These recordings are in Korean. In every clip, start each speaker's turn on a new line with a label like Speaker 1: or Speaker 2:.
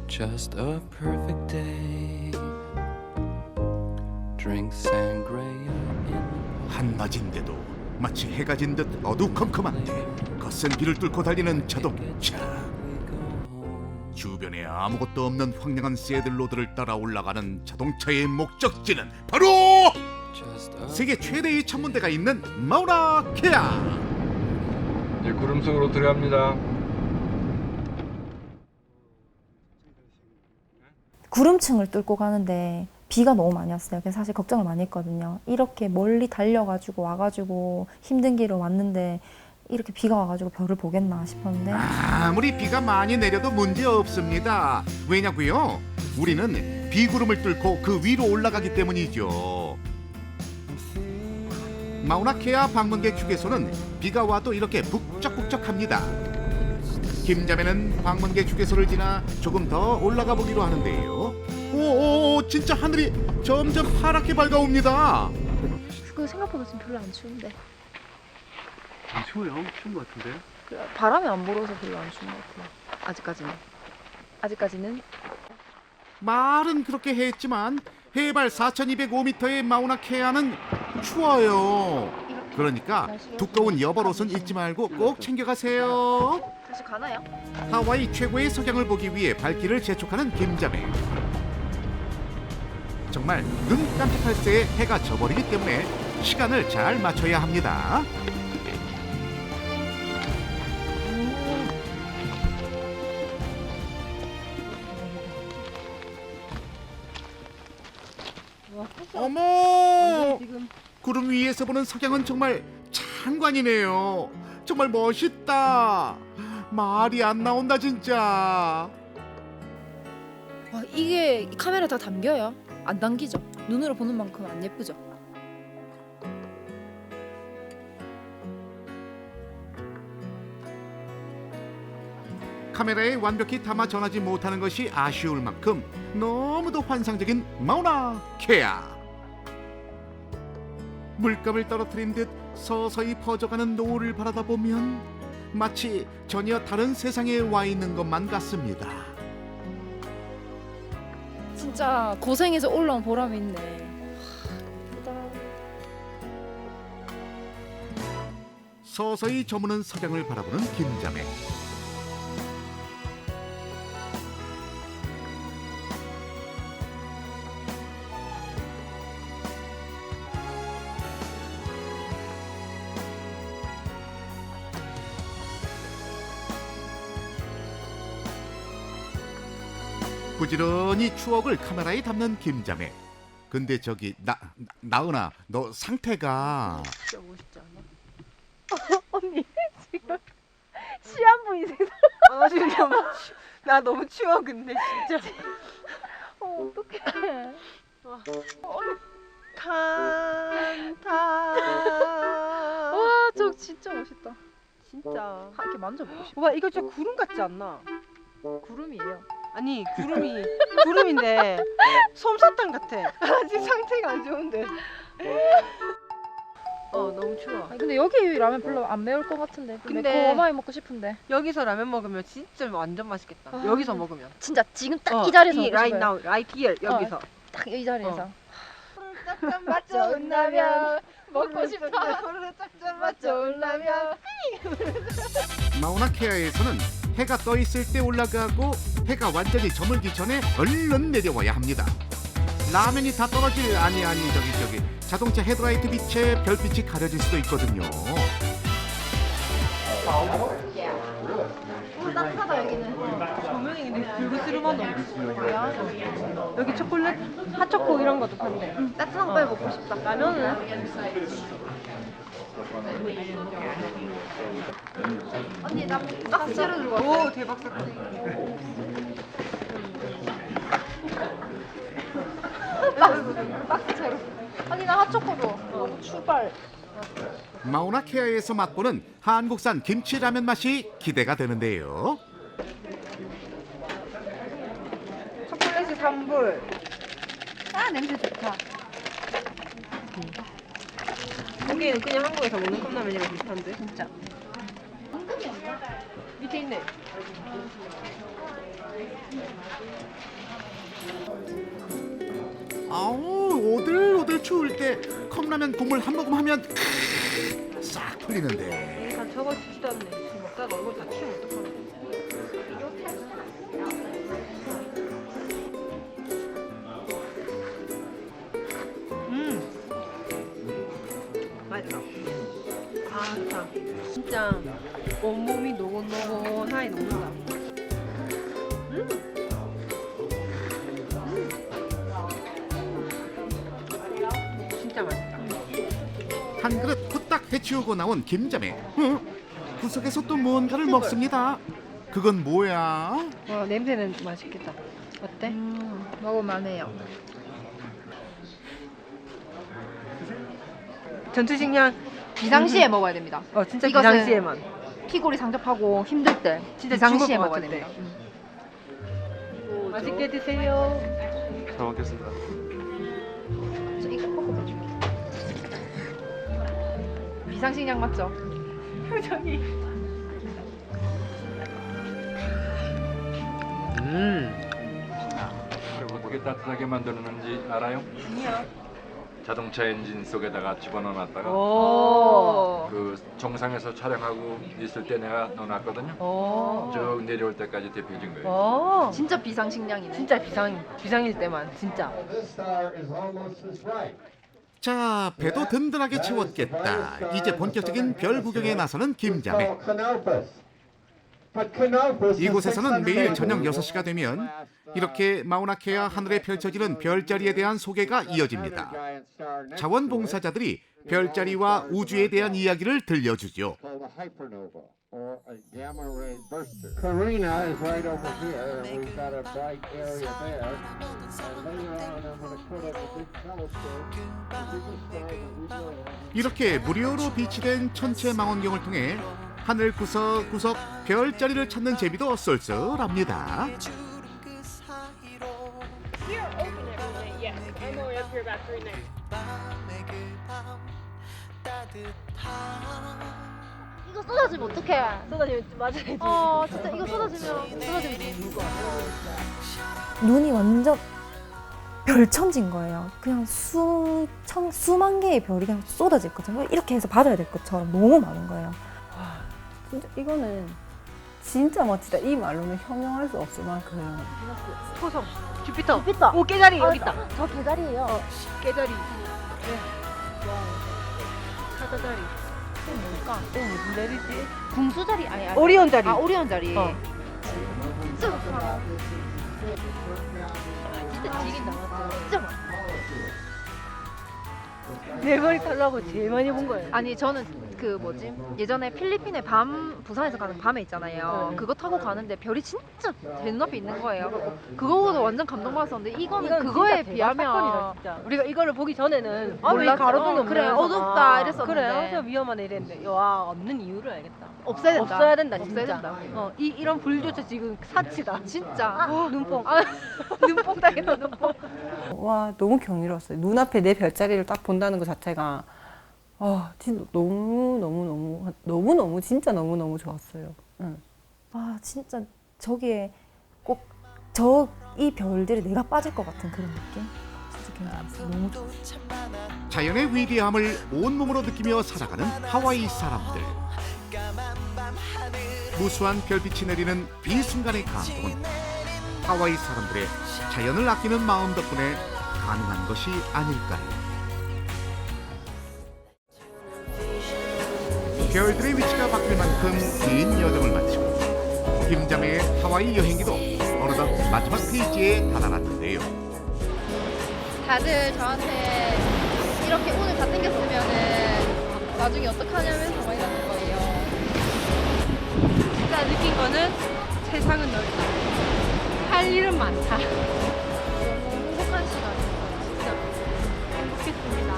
Speaker 1: Just a perfect day. Drink sangria in
Speaker 2: 한낮인데도 마치 해가 진 듯 어두컴컴한데 거센 비를 뚫고 달리는 자동차. 주변에 아무것도 없는 황량한 새들로드를 따라 올라가는 자동차의 목적지는 바로
Speaker 1: just a
Speaker 2: 세계 최대의 천문대가 있는 마우나 케아.
Speaker 3: 이제 구름 속으로 들어갑니다.
Speaker 4: 구름층을 뚫고 가는데 비가 너무 많이 왔어요. 그래서 사실 걱정을 많이 했거든요. 이렇게 멀리 달려가지고 와가지고 힘든 길을 왔는데 이렇게 비가 와가지고 별을 보겠나 싶었는데
Speaker 2: 아무리 비가 많이 내려도 문제 없습니다. 왜냐고요? 우리는 비구름을 뚫고 그 위로 올라가기 때문이죠. 마우나케아 방문객 휴게소는 비가 와도 이렇게 북적북적합니다. 김자매는 방문객 휴게소를 지나 조금 더 올라가 보기로 하는데요. 오, 진짜 하늘이 점점 파랗게 밝아옵니다.
Speaker 5: 그 생각보다 지금 별로 안 추운데
Speaker 6: 안 추워요? 추운 것 같은데?
Speaker 5: 바람이 안 불어서 별로 안 추운 것 같아요. 아직까지는
Speaker 2: 말은 그렇게 했지만 해발 4,205m의 마우나케아는 추워요. 그러니까 두꺼운 여벌옷은 잊지 말고 꼭 챙겨가세요.
Speaker 5: 다시 가나요?
Speaker 2: 하와이 최고의 석양을 보기 위해 발길을 재촉하는 김자매. 정말 눈 깜짝할 새에 해가 져버리기 때문에 시간을 잘 맞춰야 합니다. 어머! 구름 위에서 보는 석양은 정말 장관이네요. 정말 멋있다. 말이 안 나온다 진짜.
Speaker 5: 이게 카메라 다 담겨요? 안 담기죠? 눈으로 보는 만큼 안 예쁘죠?
Speaker 2: 카메라에 완벽히 담아 전하지 못하는 것이 아쉬울 만큼 너무도 환상적인 마우나 케아. 물감을 떨어뜨린 듯 서서히 퍼져가는 노을을 바라다 보면 마치 전혀 다른 세상에 와 있는 것만 같습니다.
Speaker 5: 진짜 고생해서 올라온 보람이 있네.
Speaker 2: 서서히 저무는 석양을 바라보는 김자매. 부지런히 추억을 카메라에 담는 김자매. 근데 저기 나은아, 너 상태가
Speaker 5: 진짜 멋있지 않아? 언니 지금 시한 분이세요?
Speaker 7: 아 진짜 나 너무 추워 근데 진짜
Speaker 5: 어떡해.
Speaker 7: 칸타
Speaker 5: 와, 저 진짜 멋있다.
Speaker 7: 진짜
Speaker 5: 이렇게 만져보고 싶어.
Speaker 7: 와 이거 진짜 구름 같지 않나?
Speaker 5: 구름이에요.
Speaker 7: 아니 구름인데 솜사탕 같아. 아직 상태가 안 좋은데 너무 추워.
Speaker 5: 아니, 근데 여기 라면 별로 안 매울 것 같은데.
Speaker 7: 근데-
Speaker 5: 매콤하게 먹고 싶은데.
Speaker 7: 여기서 라면 먹으면 진짜 완전 맛있겠다.
Speaker 5: 아.
Speaker 7: 여기서 먹으면
Speaker 5: 진짜 지금 딱 이 자리에서 먹고
Speaker 7: right
Speaker 5: 싶어요.
Speaker 7: now, right here 여기서
Speaker 5: 딱 이 자리에서.
Speaker 7: 맛
Speaker 5: 좋은 라면 먹고 싶어.
Speaker 7: 맛 좋은 라면.
Speaker 2: 마우나케아에서는 해가 떠 있을 때 올라가고 해가 완전히 저물기 전에 얼른 내려와야 합니다. 라면이 다 떨어질 아니 저기 자동차 헤드라이트 빛에 별빛이 가려질 수도 있거든요.
Speaker 5: 따뜻하다 여기는.
Speaker 7: 조명이 근데 불그스름하다. 여기 초콜릿, 핫초코 이런 것도 판대.
Speaker 5: 따뜻한 거 빨리 먹고 싶다. 라면은? 언니 나 박스로 들고 왔어.
Speaker 7: 오 대박 사건.
Speaker 5: 박스채로. 언니 나 핫초코도. 출발.
Speaker 2: 마우나케아에서 맛보는 한국산 김치라면 맛이 기대가 되는데요.
Speaker 7: 초콜릿이 3불.
Speaker 5: 아 냄새 좋다.
Speaker 7: 여기는 그냥 한국에서 먹는 컵라면이랑 비슷한데?
Speaker 5: 진짜.
Speaker 7: 밑에 있네.
Speaker 2: 아우 오들오들 추울 때 컵라면 국물 한 모금 하면 싹 풀리는데.
Speaker 7: 다 저거 죽지도 않네. 지금 먹다가 얼굴 다 키우면 어떡하나. 맛있다. 아, 좋다. 진짜 온몸이 노곤노곤하니 녹는다. 진짜 맛있다.
Speaker 2: 한 그릇 후딱 해치우고 나온 김자매. 구석에서 또 뭔가를 먹습니다. 그건 뭐야?
Speaker 7: 와, 냄새는 맛있겠다. 어때?
Speaker 5: 먹을만해요.
Speaker 7: 전투식량
Speaker 5: 비상시에 먹어야 됩니다.
Speaker 7: 진짜
Speaker 5: 이것은
Speaker 7: 비상시에만.
Speaker 5: 피골이 상접하고 힘들 때
Speaker 7: 진짜
Speaker 5: 비상시에
Speaker 7: 죽을 것
Speaker 5: 먹어야
Speaker 7: 같은데.
Speaker 5: 됩니다.
Speaker 7: 맛있게 드세요.
Speaker 6: 잘 먹겠습니다.
Speaker 5: 저 이거 볶아 줄게. 비상식량 맞죠?
Speaker 7: 표정이.
Speaker 3: 어떻게 따뜻하게 만드는지 알아요?
Speaker 7: 아니야.
Speaker 3: 자동차 엔진 속에다가 집어넣어놨다가
Speaker 7: 오.
Speaker 3: 그 정상에서 촬영하고 있을 때 내가 넣어놨거든요.
Speaker 7: 오.
Speaker 3: 쭉 내려올 때까지 데펴진 거예요.
Speaker 7: 오.
Speaker 5: 진짜 비상식량이네.
Speaker 7: 진짜 비상일 때만 진짜.
Speaker 2: 자, 배도 든든하게 채웠겠다. 이제 본격적인 별 구경에 나서는 김자매. 이곳에서는 매일 저녁 6시가 되면 이렇게 마우나케아 하늘에 펼쳐지는 별자리에 대한 소개가 이어집니다. 자원봉사자들이 별자리와 우주에 대한 이야기를 들려주죠.
Speaker 8: Carina is right over here, and we've got a bright area there. And later on, I'm going to put up a big telescope, the biggest star that we know of.
Speaker 2: 이렇게 무료로 비치된 천체 망원경을 통해 하늘 구석구석 별자리를 찾는 재미도 쏠쏠합니다.
Speaker 4: 이거 쏟아지면 어떡해?
Speaker 7: 쏟아지면 맞아야지.
Speaker 4: 진짜 이거 쏟아지면 죽을 것 같아. 눈이 완전 별천지인 거예요. 그냥 수만 개의 별이 그냥 쏟아질 것처럼 이렇게 해서 받아야 될 것처럼 너무 많은 거예요.
Speaker 9: 진짜 이거는 진짜 멋지다. 이 말로는 형용할 수 없을 만큼.
Speaker 7: 토성, 주피터.
Speaker 4: 주피터.
Speaker 7: 오, 깨자리 여기 있다.
Speaker 4: 저 개다리예요.
Speaker 7: 깨자리. 네. 사자자리.
Speaker 4: 또 뭘까?
Speaker 7: 또 무슨 자리지?
Speaker 4: 궁수자리 아니.
Speaker 7: 오리온 자리.
Speaker 4: 아 오리온 자리.
Speaker 7: 진짜 좋다.
Speaker 4: 진짜 지긴다. 진짜 많아.
Speaker 7: 내 머리 털라고 제일 많이 본 거예요.
Speaker 5: 아니 저는 그 뭐지 예전에 필리핀에 부산에서 가는 밤에 있잖아요. 그거 타고 가는데 별이 진짜 제 눈앞에 있는 거예요. 그거보다 완전 감동받았었는데 이거는 그거에 비하면
Speaker 7: 진짜. 우리가 이거를 보기 전에는 왜
Speaker 5: 몰랐죠.
Speaker 7: 가로등이 없네.
Speaker 5: 그래, 어둡다 이랬었는데.
Speaker 7: 그래, 엄청 위험하네 이랬는데. 와, 없는 이유를 알겠다.
Speaker 5: 없애야 된다.
Speaker 7: 없어야 된다,
Speaker 5: 없애야
Speaker 7: 진짜.
Speaker 5: 된다.
Speaker 7: 이런 불조차 지금 사치다.
Speaker 5: 진짜
Speaker 7: 눈뽕.
Speaker 5: 눈뽕 당했다 눈뽕.
Speaker 9: 와, 너무 경이로웠어요. 눈앞에 내 별자리를 딱 본다는 것 자체가 진짜 너무 진짜 너무 좋았어요. 응.
Speaker 4: 아 진짜 저기에 꼭 이 별들이 내가 빠질 것 같은 그런 느낌. 진짜 굉장했어요. 너무 좋았어요.
Speaker 2: 자연의 위대함을 온몸으로 느끼며 살아가는 하와이 사람들. 무수한 별빛이 내리는 이 순간의 감동은 하와이 사람들의 자연을 아끼는 마음 덕분에 가능한 것이 아닐까요? 별들의 위치가 바뀔 만큼 긴 여정을 마치고 김자매의 하와이 여행기도 어느덧 마지막 페이지에 다다랐는데요.
Speaker 5: 다들 저한테 이렇게 오늘 다 땡겼으면은 나중에 어떡하냐면서 막 이러는 거예요.
Speaker 7: 진짜 느낀 거는 세상은 넓다. 할 일은 많다.
Speaker 5: 너무 행복한 시간이었어요. 진짜 행복했습니다.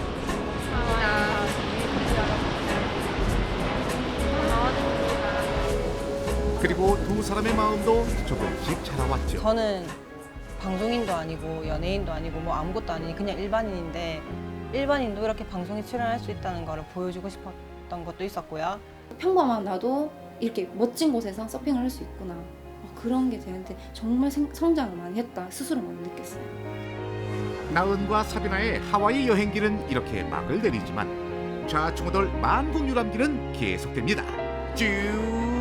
Speaker 2: 그리고 두 사람의 마음도 조금씩 자라왔죠.
Speaker 9: 저는 방송인도 아니고 연예인도 아니고 뭐 아무것도 아닌 그냥 일반인인데 일반인도 이렇게 방송에 출연할 수 있다는 거를 보여주고 싶었던 것도 있었고요.
Speaker 10: 평범한 나도 이렇게 멋진 곳에서 서핑을 할 수 있구나. 그런 게 저한테 정말 성장을 많이 했다 스스로 많이 느꼈어요.
Speaker 2: 나은과 사비나의 하와이 여행기는 이렇게 막을 내리지만 좌충우돌 만국 유람기는 계속됩니다. 쭉